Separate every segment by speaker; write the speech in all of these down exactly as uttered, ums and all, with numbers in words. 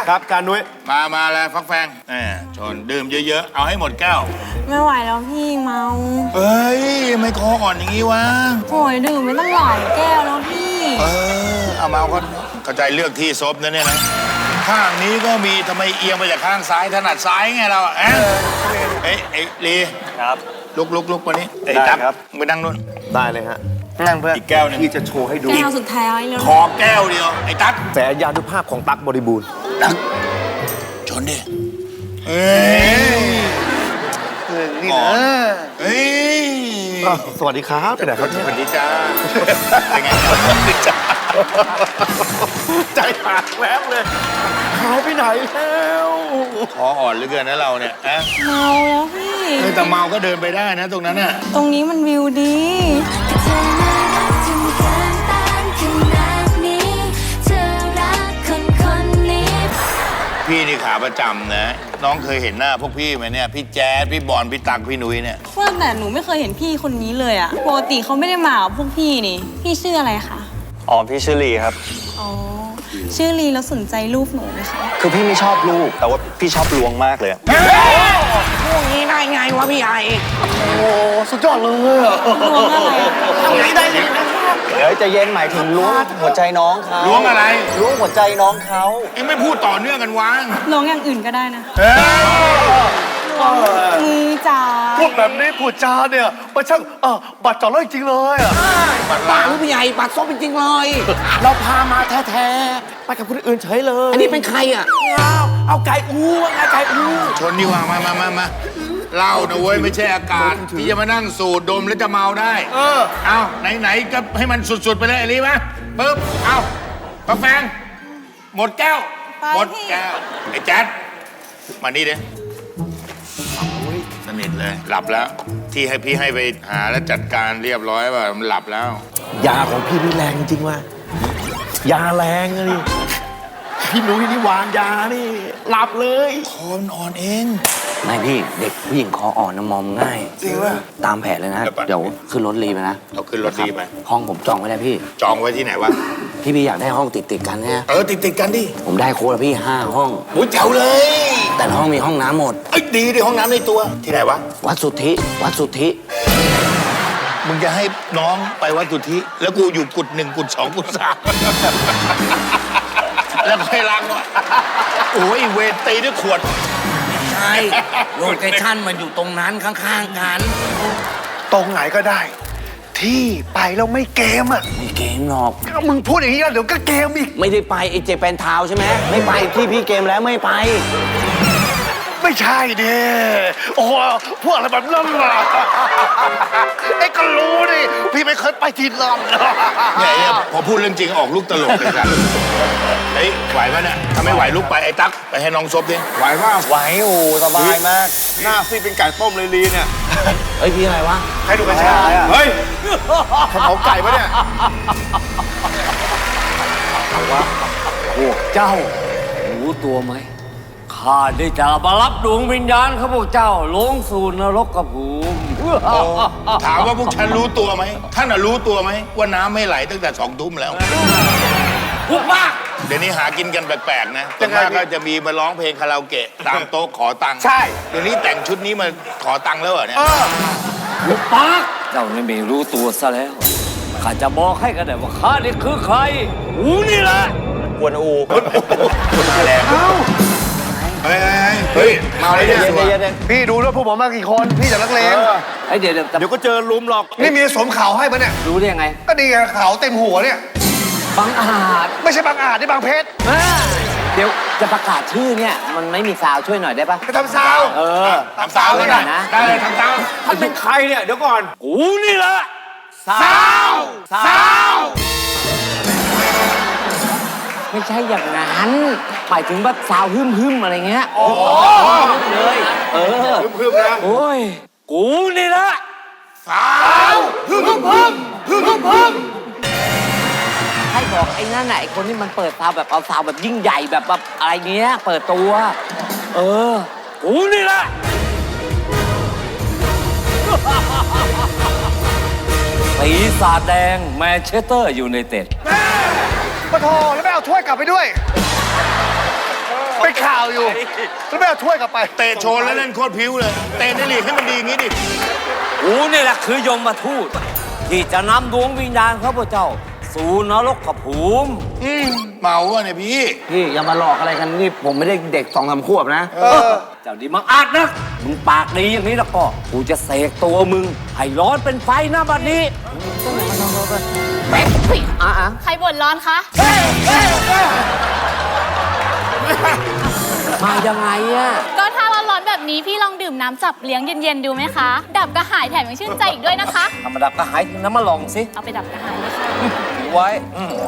Speaker 1: ครับการนุ้ย
Speaker 2: มามาแล้วฟักแฟงแหมชนดื่มเยอะๆเอาให้หมดแก้ว
Speaker 3: ไม่ไหวแล้วพี่เมา
Speaker 2: เฮ้ยไม่คออ่อนอย่างงี้วะ
Speaker 3: โอยดื่มไม่ต้องหลายแก้วแล้วพี่
Speaker 2: เออเอาเมาก็เข้าใจเลือกที่ซบนะเนี่ยนะข้างนี้ก็มีทำไมเอียงไปจากข้างซ้ายถนัดซ้ายไงเราเอ๊ะเอ้ยไอ้ลี
Speaker 1: ครับ
Speaker 2: ลุกลุกลุกมานี้ไอ้ตั๊กไปนั่งนู่น
Speaker 1: ได้เลยฮะ
Speaker 2: นั่งเพื่อนอีกแก้วนึง
Speaker 1: พี่จะโชว์ให้ดู
Speaker 3: แก้วสุดท้ายแล้ว
Speaker 2: ขอแก้วเดียวไอ้ตั๊ก
Speaker 1: แสยานุภาพของตั๊กบริบูรณ์
Speaker 2: ตั๊กชนดิเฮ้ยนี่นะเฮ้ย
Speaker 1: สวัสดีครับเป็นไงครับ
Speaker 2: สวัสดีจ้าเป็นไงจ้า
Speaker 1: ใจขาดแวบเลยเขาไปไหนแล้ว
Speaker 2: คออ่อนเหลือเกินนะเราเนี่ยอะ
Speaker 3: เมาแล้วพี่
Speaker 2: แต่เมาก็เดินไปได้นะตรงนั้นน่ะ
Speaker 3: ตรงนี้มันวิวดี
Speaker 2: พี่นี่ขาประจำนะน้องเคยเห็นหน้าพวกพี่ไหมเนี่ยพี่แจ๊ดพี่บอลพี่ตักพี่นุ้ยเนี่ย
Speaker 3: ว่าแต่หนูไม่เคยเห็นพี่คนนี้เลยอะปกติเขาไม่ได้มากับพวกพี่นี่พี่ชื่ออะไรคะ
Speaker 4: อ๋อพี่ชื่อลีครับ
Speaker 3: อ๋อชื่อลีแล้วสนใจรูปหนูไหมคะ
Speaker 4: คือพี่ไม่ชอบรูปแต่ว่าพี่ชอบล้วงมากเลย
Speaker 5: พวกนี้ได้ไงวะพี่ไอ
Speaker 1: โอ้สุดยอดเลย
Speaker 3: ล้วงอะไร
Speaker 5: ทำไงได้เลยนะ
Speaker 4: เดี๋ยวจะเย็นหมายถึงล้วงหัวใจน้องเขา
Speaker 2: ล้วงอะไร
Speaker 4: ล้วงหัวใจน้องเขา
Speaker 2: เอ็งไม่พูดต่อเนื่องกันวะ
Speaker 3: ล้วงอย่างอื่นก็ได้นะมือจ่า
Speaker 1: พูดแบบนี้พูดจาเนี่ยมันช่างเออบัดจ่อเลยจริงเลยอ่ะ
Speaker 5: ปังพี่ไอปัดซบจริงเลย
Speaker 1: เราพามาแท้ๆไปกับคนอื่นเฉยเลย
Speaker 5: อันนี้เป็นใครอ่ะ
Speaker 1: เอาไก่อูไงไก่อู
Speaker 2: ชนดีกว่ามามามามาเหล้านะเว้ยไม่ใช่อากาศที่จะมานั่งสูดดมแล้วจะเมาได้เออเอาไหนๆก็ให้มันสุดๆไปเลยไอ้ลีมะปึ๊บเอากาแฟหมดแก้วหมดแก้วไอ้แจ๊ดมานี่เด้สนิทเลยหลับแล้วที่ให้พี่ให้ไปหาแล้วจัดการเรียบร้อยว่ามันหลับแล้ว
Speaker 1: ยาของพี่นี่แรงจริงว่ะยาแรงเลยพี่หนุ่ยนี่วางยานี่หลับเลย
Speaker 2: คอนอ่อนเอง
Speaker 5: ไม่พี่เด็กผู้หญิงคออ่อนนะมอมง่าย
Speaker 2: จริงป่ะ
Speaker 5: ตามแผนเลยนะเดี๋ยวขึ้นรถรีไปนะ
Speaker 2: เราขึ้นรถรีไป
Speaker 5: ห้องผมจองไว้แล้วพี่
Speaker 2: จองไว้ที่ไหนวะ
Speaker 5: พี่พี่อยากได้ห้องติดติดกันไง
Speaker 2: เออติดติดกันดิ
Speaker 5: ผมได้โค้ดพี่ห้าห้อง
Speaker 2: โอ้ยแจ๋วเลย
Speaker 5: แต่ห้องมีห้องน้ำหมด
Speaker 2: เอ้ยดีดิห้องน้ำในตัวที่ไหนวะ
Speaker 5: วัดสุทธิวัดสุทธิ
Speaker 2: มึงจะให้น้องไปวัดสุทธิแล้วกูอยู่กุดหนึ่งกุดสองกุดสามแล้วค่อยล้างวะโอ้ยเวทตีด้วยขวด
Speaker 5: ใช่โลเคชั่นมันอยู่ตรงนั้นข้างๆกัน
Speaker 1: ตรงไหนก็ได้ที่ไปแล้วไม่เกมอ่ะ
Speaker 5: ไม่เกมหรอก
Speaker 1: มึงพูดอย่างนี้แล้วเดี๋ยวก็เกมอีก
Speaker 5: ไม่ได้ไปไอเจแปนทาวใช่ไหมไม่ไปที่พี่เกมแล้วไม่ไป
Speaker 1: ไม่ใช่เด้โอ้พวกอะไรแบบนั้นล่ะไอ้ก็รู้ดิพี่ไม่เคยไปที่นั่น
Speaker 2: เนี่ยพอพูดเรื่องจริงออกลูกตลกเลยครับเฮ้ยไหวปะเนี่ยถ้าไม่ไหวลุกไปไอ้ตั๊กไปให้น้องซบดิไหวป่ะ
Speaker 4: ไหวโอ้สบายมาก
Speaker 1: หน้าซีเป็นไก่ต้มเลยลีเนี่ย
Speaker 5: เฮ้ยพี่อะไรวะ
Speaker 1: ให้ดูกระชายเฮ้ยขนมไก่ปะเนี่ย
Speaker 6: เอาวะพวกเจ้ารู้ตัวไหมข้าได้จะมารับดวงวิญญาณข้าพวกเจ้าลงสู่นรกกภูมิ
Speaker 2: ถามว่าพวกฉันรู้ตัวไหมท่านน่ะรู้ตัวไหมว่าน้ำไม่ไหลตั้งแต่สองทุ่มแล้ว
Speaker 6: พูดมาก
Speaker 2: เดี๋ยวนี้หากินกันแปลกๆนะแต่มากก็จะมีมาร้องเพลงคาราโอเกะตามโต๊ะขอตังค์
Speaker 1: ใช่
Speaker 2: เดี๋ยวนี้แต่งชุดนี้มาขอตังค์แล้วเหรอเนี่ย
Speaker 6: พูดมากเจ้าไม่รู้ตัวซะแล้วข้าจะบอกให้กันได้ว่าข้านี่คือใครอูนี่แหละ
Speaker 4: กวนอู
Speaker 2: แรงเอ้าเฮ้ยเฮ้ยเมาเลยเนี่ย
Speaker 1: พี่ดูด้วยพวกผมมากี่คนพี่จากนักเลง
Speaker 6: ไอเดี๋ยวเ
Speaker 1: ดี๋ยวก็เจอลุมหรอกนี่มีสวมเขาให้ปะเนี่ย
Speaker 6: รู้ได้ยังไง
Speaker 1: ก็ดีเขาเต็มหัวเนี่ย
Speaker 6: บางอาจ
Speaker 1: ไม่ใช่บางอาจนี่บางเพชร
Speaker 6: เดี๋ยวจะประกาศชื่อเนี่ยมันไม่มีซาวช่วยหน่อยได้ปะ
Speaker 1: ไปทำซาว
Speaker 6: เออ
Speaker 2: ทำซาวเลยนะได้เลยทำซาว
Speaker 1: ท่านเป็นใครเนี่ยเดี๋ยวก่อน
Speaker 6: กูนี่แหละ
Speaker 2: ซาวซาว
Speaker 6: ไม่ใช่อย่างนั้นหมายถึงแบบสาวฮึ่มฮึ่มอะไรเงี้ย
Speaker 1: โอ้
Speaker 6: เลยเออ
Speaker 1: ฮึ่มๆนะ
Speaker 6: โอ้ยกูนี่แหละ
Speaker 2: สาวฮึ่มฮึ่มฮึ่มฮึ่มฮึ่ม
Speaker 6: ให้บอกไอ้นั่นไหนคนที่มันเปิดสาวแบบเอาสาวแบบยิ่งใหญ่แบบแบบอะไรเงี้ยเปิดตัวเออกูนี่แหละปีศาจแดงแมนเชสเตอร์ยูไนเต็ด
Speaker 1: ปะโถแล้วไม่เอาถ้วยกลับไปด้วยเป็นข่าวอยู่แล้วไม่เอาถ้วยกลับไป
Speaker 2: เตะโชว์แล้วเล่นโคตรพิ้วเลย เตะได้ลีกให้มันดีอย่างนี้ดิ
Speaker 6: กูนี่แหละคือยมมาทูตที่จะนำดวงวิญญาณข้าพเจ้า สู่นรกขภูมิ
Speaker 2: อืมเมาอะเนี่ยพี่
Speaker 5: พี่อย่ามาหลอกอะไรกันนี่ผมไม่ได้เด็กสองสามขวบนะ
Speaker 6: เจ้าดีมังอาจนะมึงปากดีอย่างนี้แล้วก็กูจะเสกตัวมึงให้ร้อนเป็นไฟหน้าบัดนี้
Speaker 5: อ่ะอ่ะ
Speaker 7: ใครบ่นร้อนคะ
Speaker 6: มายังไงอะ
Speaker 7: ก็ถ้าร้อนๆแบบนี้พี่ลองดื่มน้ำจับเลี้ยงเย็นๆดูไหมคะ ดับกระหายแถมยังชื่นใจอีกด้วยนะคะ
Speaker 6: ธรรมดาก็หายน้ำมาลองสิ
Speaker 7: เอาไปดับกระหายเลยค่ะ
Speaker 6: ถือไว้อืม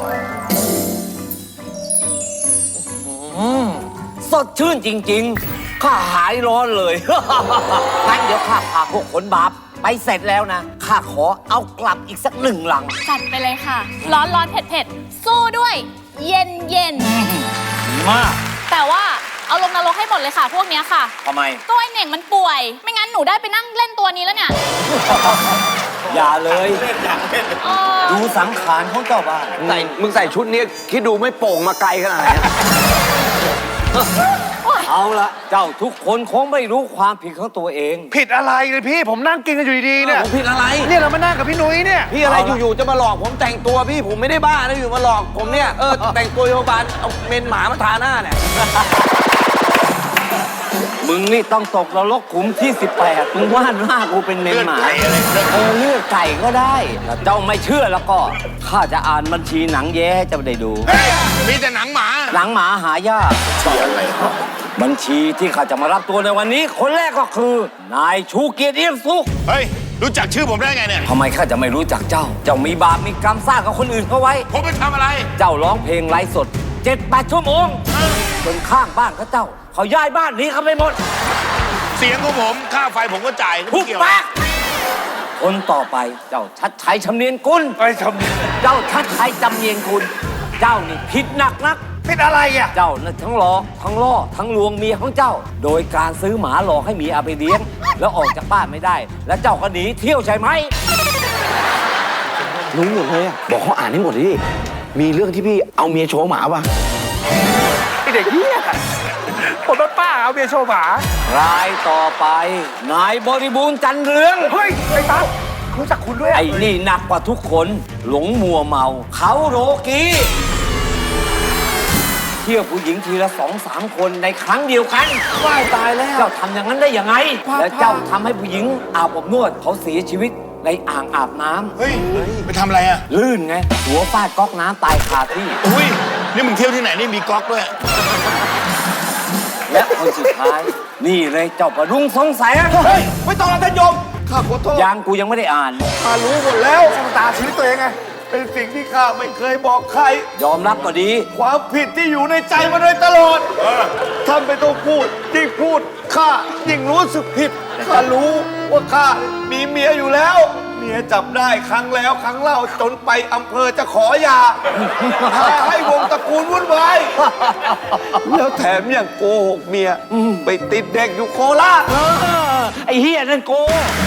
Speaker 6: อืมสดชื่นจริงๆ ข้าหายร้อนเลย งั้นเดี๋ยวข้าพาพวกคนบาปไปเสร็จแล้วนะ ข้าขอเอากลับอีกสักหนึ่งหลัง
Speaker 7: จัดไปเลยค่ะ ร้อนร้อนๆเผ็ดเผ็ดๆสู้ด้วย เย็นเย็น
Speaker 6: มาก
Speaker 7: ๆแต่ว่าเอาลงนรกให้หมดเลยค่ะ พวกเนี้ยค่ะ
Speaker 6: ทำไม
Speaker 7: ก็ไอเหน่งมันป่วย ไม่งั้นหนูได้ไปนั่งเล่นตัวนี้แล้วเนี่ย
Speaker 6: อย่าเลย
Speaker 7: เออ
Speaker 6: ดูสังขารของเจ้าบ้าน
Speaker 5: ใส่มึงใส่ชุดนี้คิดดูไม่โป่งมาไกลขนาดไหน
Speaker 6: เอาละเจ้าทุกคนคงไม่รู้ความผิดของตัวเอง
Speaker 1: ผิดอะไรเลยพี่ผมนั่งกินกันอยู่ดีๆเนี่ย
Speaker 5: ผมผิดอะไร
Speaker 1: เนี่ยเรามานั่งกับพี่นุ้ยเนี่ย
Speaker 5: พี่อะไรอยู่ๆจะมาหลอกผมแต่งตัวพี่ผมไม่ได้บ้านะอยู่มาหลอกผมเนี่ยเออแต่งตัวโยบาลเอาเมนหมามาทาหน้าเนี่ย
Speaker 6: มึงนี่ต้องตกนรกขุมที่สิบแปดมึงว่าหน้ากูเป็นเมนหมา
Speaker 2: เลือดไก่อะไรเลือดไก่
Speaker 6: เออเลือดไก่ก็ได้ถ้าเจ้าไม่เชื่อแล้วก็ข้าจะอ่านบัญชีหนังแย้ให้เจ้าได้ดู
Speaker 2: เฮ้ยมีแต่หนังหมา
Speaker 6: หนังหมาหายากบัญชีที่ข้าจะมารับตัวในวันนี้ คนแรกก็คือ นายชูเกียรติเอี่ยมสุข
Speaker 2: เฮ้ย รู้จักชื่อผมได้ไงเนี่ย
Speaker 6: ทำไมข้าจะไม่รู้จักเจ้า เจ้ามีบาปมีกรรมสร้างกับคนอื่นเขาไว้
Speaker 2: ผมไปทำอะไร
Speaker 6: เจ้าร้องเพลงไลฟ์สดเจ็ดแปดชั่วโมงจนข้างบ้านเขาเจ้า เขาย้ายบ้านหนี้เขาไปหมด
Speaker 2: เสียงของผม ค่าไฟผมก็จ่าย
Speaker 6: ทุ
Speaker 2: ไม่
Speaker 6: ก
Speaker 2: เกี่ยว
Speaker 6: ปากคนต่อไปเจ้าชัดชัยชำเนียนกุล
Speaker 1: ไอ้ชม
Speaker 6: เจ้าชัดชัยจำเนียนกุลเจ้านี่ผิดหนักนัก
Speaker 1: ผิดอะไรอ่ะ
Speaker 6: เจ้าน่ะทั้งหลอกทั้งล่อทั้งลวงเมียของเจ้า โดยการซื้อหมาหลอกให้เมียเอาไปเลี้ยง แล้วออกจากบ้านไม่ได้ แล้วเจ้าก็หนีเที่ยวใช่ไหม
Speaker 5: รู้หมดเลยอะบอกเขาอ่านให้หมดดิมีเรื่องที่พี่เอาเมียโชว์หมาป่ะ
Speaker 1: ไอเด็กเหี้ยผมเป็นป้าเอาเบียร์โชว์หมาร
Speaker 6: ายต่อไป นายบริบูรณ์จันเรือง
Speaker 1: เฮ้ยไอ้ตั้งรู้จักคุณด้วย
Speaker 6: ไอ้นี่หนักกว่าทุกคน หลงมัวเมา เขาโรกีเที่ยวผู้หญิงทีละสองสามคนในครั้งเดียวกันว้ายตายแล้ว เจ้าทำอย่างนั้นได้ยังไง แล้วเจ้าทำให้ผู้หญิงอาบอบนวดเขาเสียชีวิตในอ่างอาบน้ำ
Speaker 2: เฮ้ย ไปทำอะไรอ่ะ
Speaker 6: ลื่นไง หัวฟาดก๊อกน้ำตายคาที่
Speaker 2: อุ้ย นี่มึงเที่ยวที่ไหนนี่มีก๊อกด้วย
Speaker 6: และคนสุดท้าย นี่เลยเจ้าประดุงสงสัย
Speaker 1: เฮ้ยไม่ต้องแล้วท่านโยมข้าขอโทษ
Speaker 6: ยังกูยังไม่ได้อ่าน
Speaker 1: ข้ารู้หมดแล้วชะตาชีวิตตัวเองไงเป็นสิ่งที่ข้าไม่เคยบอกใคร
Speaker 6: ยอมรับก็ดี
Speaker 1: ความผิดที่อยู่ในใจมาโดยตลอดท่านไม่ต้องพูดยิ่งพูดข้ายิ่งรู้สึกผิดข้ารู้ว่าข้ามีเมียอยู่แล้ว เมียจับได้ครั้งแล้วครั้งเล่าจนไปอำเภอจะขอหย่าพาให้วงตระกูลวุ่นวายแล้วแถมยังโกหกเมียไปติดเด็กอยู่โคราช
Speaker 6: เออไอ้เฮียนั่นโก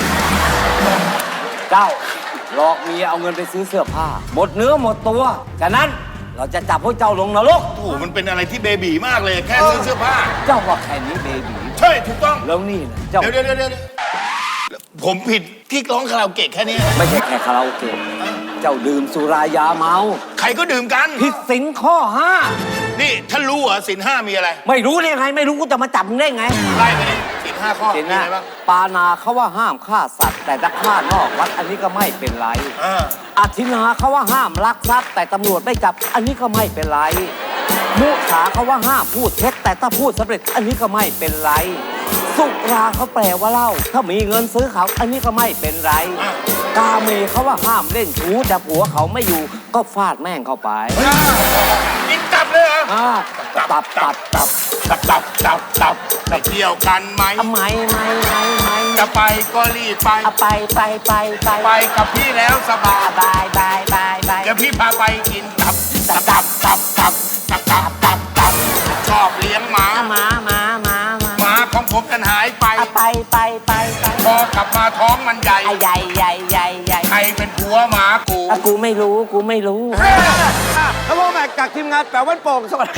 Speaker 6: เจ้าหลอกเมียเอาเงินไปซื้อเสื้อผ้า หมดเนื้อหมดตัว ฉะนั้นเราจะจับพวกเจ้าลงนรก
Speaker 2: โอ้โห มันเป็นอะไรที่เบบีมากเลย แค่ซื้อเสื้อผ้า
Speaker 6: เจ้าว่าแค่นี้เบบี
Speaker 2: ใช่ ถูกต้อง
Speaker 6: แล้วนี่นะเจ้า
Speaker 2: เดี๋ยวเดี๋ยวเดี๋ยวเดี๋ยวผมผิดที่ร้องคาราโอเกะแค่นี้
Speaker 6: ไม่ใช่แค่คาราโอเกะเจ้าดื่มสุรายาเมา
Speaker 2: ใครก็ดื่มกัน
Speaker 6: ผิดศีลข้อห้า
Speaker 2: นี่ท่านรู้เหรอศีลห้ามีอะไร
Speaker 6: ไม่รู้ได้ไง ไม่รู้กูจะมาจับมึงได้ไง
Speaker 2: ไล่ไปดิศีลห้าข้อ
Speaker 6: ศีล
Speaker 2: มี
Speaker 6: นะ
Speaker 2: อะไรบ้าง
Speaker 6: ปานาเขาว่าห้ามฆ่าสัตว์ แต่ถ้าฆ่านอกวัดอันนี้ก็ไม่เป็นไร
Speaker 2: อ่า
Speaker 6: อธินาเขาว่าห้ามลักทรัพย์แต่ตำรวจไม่จับอันนี้ก็ไม่เป็นไร มุสาเขาว่าห้ามพูดเท็จแต่ถ้าพูดสำเร็จอันนี้ก็ไม่เป็นไร สุราเขาแปลว่าเหล้าถ้ามีเงินซื้อเขาอันนี้ก็ไม่เป็นไร กาเมเขาว่าห้ามเล่นชู้แต่ผัวเขาไม่อยู่ก็ฟาดแม่งเข้าไป
Speaker 2: กินตับเลยเหรอ
Speaker 6: อ่าตับตับตับ
Speaker 2: ตับตับตับตับไปเที่ยวกันไหม
Speaker 6: ทำไมไม่ไม่ไม่
Speaker 2: จะไปก็รีบไป
Speaker 6: เอาไปไปไปไป
Speaker 2: ไปกับพี่แล้วสบาย
Speaker 6: บายบายบายบาย
Speaker 2: เดี๋ยวพี่พาไปกินตับ ตับตับตับตับตับตับตับตับชอบเลี้ยงหมา
Speaker 6: มามามามา
Speaker 2: หมาของผมกันหายไป
Speaker 6: เอาไปไปไปไป
Speaker 2: พอกลับมาท้องมันใหญ่
Speaker 6: ใหญ่ใหญ่ใหญ่ใหญ่
Speaker 2: ใครรเป็นผัวหมากู
Speaker 6: อ่ะกูไม่รู้ กูไม่รู้
Speaker 5: แล้วพวกแม็กจากทีมงานแปลวันโป่งสวัสดี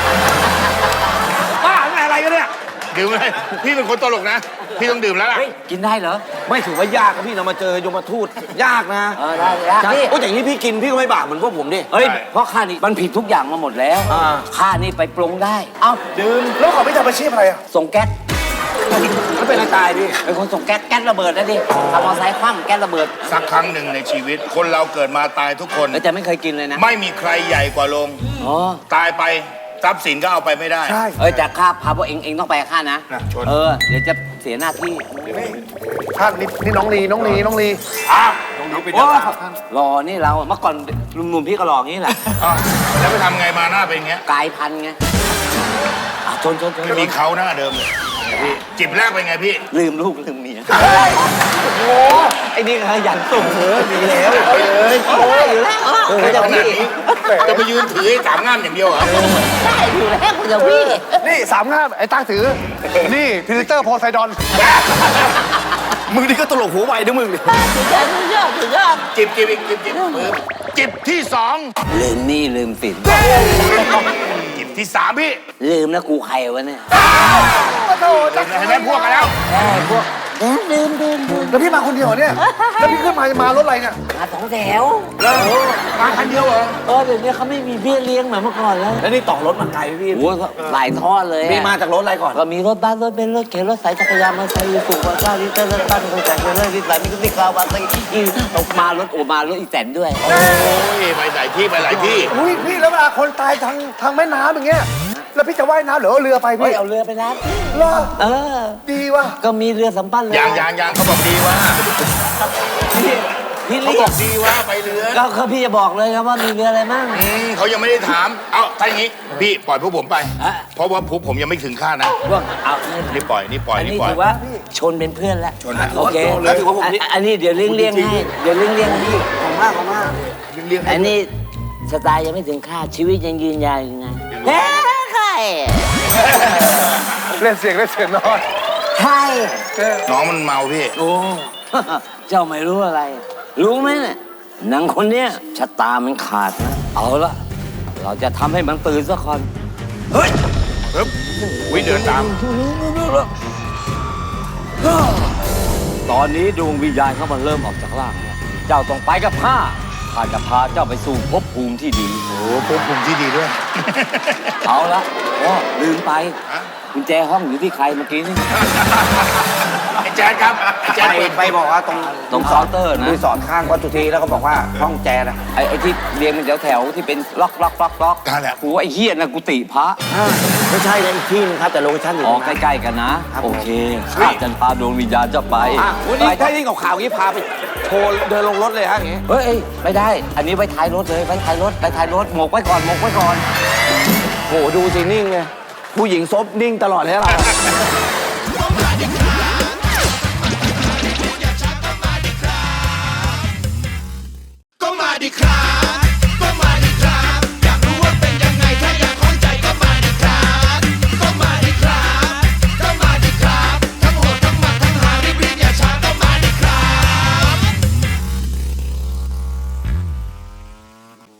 Speaker 5: บ้าไงอะไรกันเนี่ย
Speaker 2: ดื่มเลยพี่เป็นคนตลกนะ พี่ต้องดื่มแล้วล่ะ
Speaker 6: เฮ้ย กินได้เหรอ
Speaker 5: ไม่ถือว่ายากครับพี่เรามาเจอยมทูตยากนะ
Speaker 6: เออได้ได้พี่
Speaker 5: โอ้อย่างนี้พี่กินพี่ก็ไม่บาปเหมือนพวกผมดิ
Speaker 6: เฮ้ย เพราะข้านี่มันผิดทุกอย่างมาหมดแล้ว
Speaker 5: อ่า
Speaker 6: ข้านี่ไปปรุงได้ เอ้าดื่ม
Speaker 1: แล้วเขาไม่ทำอาชีพอะไรอ่ะ
Speaker 6: ส่งแก๊ส
Speaker 5: มันเป็นอะไรตายพี่
Speaker 6: เป็นคนส่งแก๊ส แก๊สระเบิดนะดิขับมอเตอร์ไซค์คว่ำแก๊สระเบิด
Speaker 2: สักครั้งหนึ่งในชีวิต คนเราเกิดมาตายทุกคน
Speaker 6: แล้วจะไม่เคยกินเลยนะ
Speaker 2: ไม่มีใครใหญ่กว่าลง
Speaker 6: อ๋อ
Speaker 2: ตายไปทรัพย์สินก็เอาไปไม่ได้
Speaker 1: ใช่
Speaker 6: เอ้ยแต่ข้าพาพวกเองเองต้องไปกับข้านะ
Speaker 2: น่ะชน
Speaker 6: เออ เดี๋ยวจะเสียหน้าที่
Speaker 1: ท่านนี่นี่น้องลีน้องลีน้องลี
Speaker 2: อ้าว
Speaker 6: โอ้หล่อนี่เราอะเมื่อก่อนหนุ่มๆพี่ก็หล่ออย่างนี้แหละ
Speaker 2: อ้าวแล้วไปทำไงมาหน้าเป็นอย่างเงี้ย
Speaker 6: กลายพันธุ์ไงอ่ะชนชนชน
Speaker 2: ไม่มีเขาหน้าเดิมเลยพี่จิบแรกเป็นไงพี่
Speaker 6: ลืมลูกลืมเมียโอ้ไอ้นี่ขยันส่งเออดีแล้วเอ้ยโอ้ยอยู่แล้วเออ
Speaker 2: ข
Speaker 6: จะ
Speaker 2: นาด
Speaker 6: พี่
Speaker 2: นี้จะไปยืนถือไอ้สามง่ามอย่างเดียวเหรอ
Speaker 6: ได้อยู่แล้วคุณจะพี่
Speaker 1: นี่สามงามไอ้ตาถือ นี่พิลิเตอร์โพไซดอน
Speaker 5: มึงนี่ก็ตลกหัวไวนะมึง
Speaker 6: สุดยอดสุดยอดสุดยอด
Speaker 2: จิบจิบอีกจิบจิบปึ๊บจิบที่สอง
Speaker 6: ลืมหนี่ลืมสิน
Speaker 2: จิบที่สามพี่
Speaker 6: ลืมนะกูใครวะเนี่ย
Speaker 2: เห็นไหมพวกกันแล้ว
Speaker 6: เออพวกเออลืมลืมลืม
Speaker 1: แล้วพี่มาคนเดียวเหรอเนี่ย แล้วพี่ขึ้นมามารถอะไรเนี่ย
Speaker 6: มาสองแถว
Speaker 2: มาคันเดียวเหรอ
Speaker 6: เออเดี๋ยวนี้เขาไม่มีเบี้ยเลี้ยงเหมือนเมื่อก่อนแล้ว
Speaker 5: แล้วนี่ต่อรถมาไกลพี่
Speaker 6: โอ้โหหลายทอดเลยอะ
Speaker 5: พี่มาจากรถอะไรก่อน
Speaker 6: ก็มีรถบัสรถเบนซ์รถเข็นรถสายจักรยานมอเตอร์ไซค์สูงกว่าเก้าลิตรรถตั้งรถจักรยานรถลิตรนี่ก็ติดกาวบัสอีตกมารถโอมารถอีแตนด้วย
Speaker 2: โอ้ยไปหลายที่ไปหลายที่
Speaker 1: อุ้ยพี่แล้วเวลาคนตายทางทางแม่น้ำอย่างเงี้ย แล้วพี่จะว่ายน้ำหรือเอาเรือไป
Speaker 6: เฮ้ย
Speaker 1: พี่
Speaker 6: เอาเรือไปนะ
Speaker 1: เหรอ
Speaker 6: เออ
Speaker 1: ดีว่ะ
Speaker 6: ก็มีเรือสำปั้นเลย
Speaker 2: ยางยางยางเขาบอกดีว่า
Speaker 6: พี่พี่
Speaker 2: เขา
Speaker 6: เรี
Speaker 2: บ
Speaker 6: ย
Speaker 2: อก กดีว่าไปเรือ
Speaker 6: ก็เขาพี่จะบอกเลยครับว่ามีเรืออะไรมั่ง
Speaker 2: อืมเขายังไม่ได้ถาม เอาถ้าอย่างนี้ พี่ปล่อยพวกผมไป
Speaker 6: อ่ะ
Speaker 2: เพราะว่าพวกผมยังไม่ถึงคาดนะ
Speaker 6: พวกเอานี่
Speaker 2: นี่ปล่อย นี่ปล่อย
Speaker 6: อัน
Speaker 2: นี่
Speaker 6: นี้
Speaker 2: ปล่อย
Speaker 6: ถือว่าชนเป็นเพื่อนแล้ว
Speaker 2: ชนนะ
Speaker 6: โอเค
Speaker 5: แล้วถือว่าผมนี่
Speaker 6: อันอันนี้เดี๋ยวเลี่ยงเลี่ยงให้เดี๋ยวเลี่ยงเลี่ยงให้
Speaker 5: ของมากของมาก
Speaker 2: เรียกให้
Speaker 6: อันนี้สไตล์ยังไม่ถึงคาดชีวิตยังยืนยาวอยู่ไงเฮ้ใคร
Speaker 1: เล่นเสียงเล่นเสียงน้อย
Speaker 6: ใคร
Speaker 2: น้องมันเมาพี่
Speaker 6: โอ้ เจ้าไม่รู้อะไร รู้ไหมเนี่ยนางคนเนี้ยชะตามันขาดนะ เอาละเราจะทำให้มันตื่นสักคน
Speaker 2: เฮ้ยปึ๊บวิเดินตาม
Speaker 6: ตอนนี้ดวงวิญญาณเขามันเริ่มออกจากร่างแล้วเจ้าต้องไปกับข้าข้าจะพาเจ้าไปสู่ภพภูมิที่ดี
Speaker 2: โอ้พวกผมที่ดีด้วย
Speaker 6: เอาละโอ้ลืมไป
Speaker 2: ฮะ
Speaker 6: กุญแจห้องอยู่ที่ใครเมื่อกี้นี่
Speaker 2: ไอ้แจ๊ดครับไอ้แจ๊ด
Speaker 5: ไป
Speaker 2: เปิด
Speaker 5: ไปบอกว่าตรง
Speaker 6: ตรงเคาน์เตอร์นะ
Speaker 5: รีสอร์ทข้างวัดสุธีแล้วก็บอกว่าห้องแจนะ
Speaker 6: ไอ้ไอ้ที่เรียงเป็นแถวๆที่เป็นล็อกล็อกล็อกล็อก
Speaker 2: นั่นแหละ
Speaker 6: กูว่าไอ้เฮียนะกุฏิพระ
Speaker 5: ไม่ใช่นะอีกที่นึงครับแต่โลเคชั่นอยู่
Speaker 6: อ๋อ
Speaker 5: ตรงนั้น
Speaker 6: ใกล้ๆกันนะ โอเคข้าจะพาดวงวิญญาณเจ้าไป
Speaker 5: อ่ะวันนี้ถ้ายิ่งกับข่าวอย่างนี้พาไปโทรเดินลงรถเลยฮะอย่างงี้
Speaker 6: เฮ้ยเอ้ยไม่ได้ อันนี้ไว้ท้ายรถเลยไว้ท้ายรถไว้ท้ายรถหมกไว้ก่อนหมกไว้ก่อน
Speaker 5: โหดูสินิ่งเลยผู้หญิงซบนิ่งตลอดเลยเรา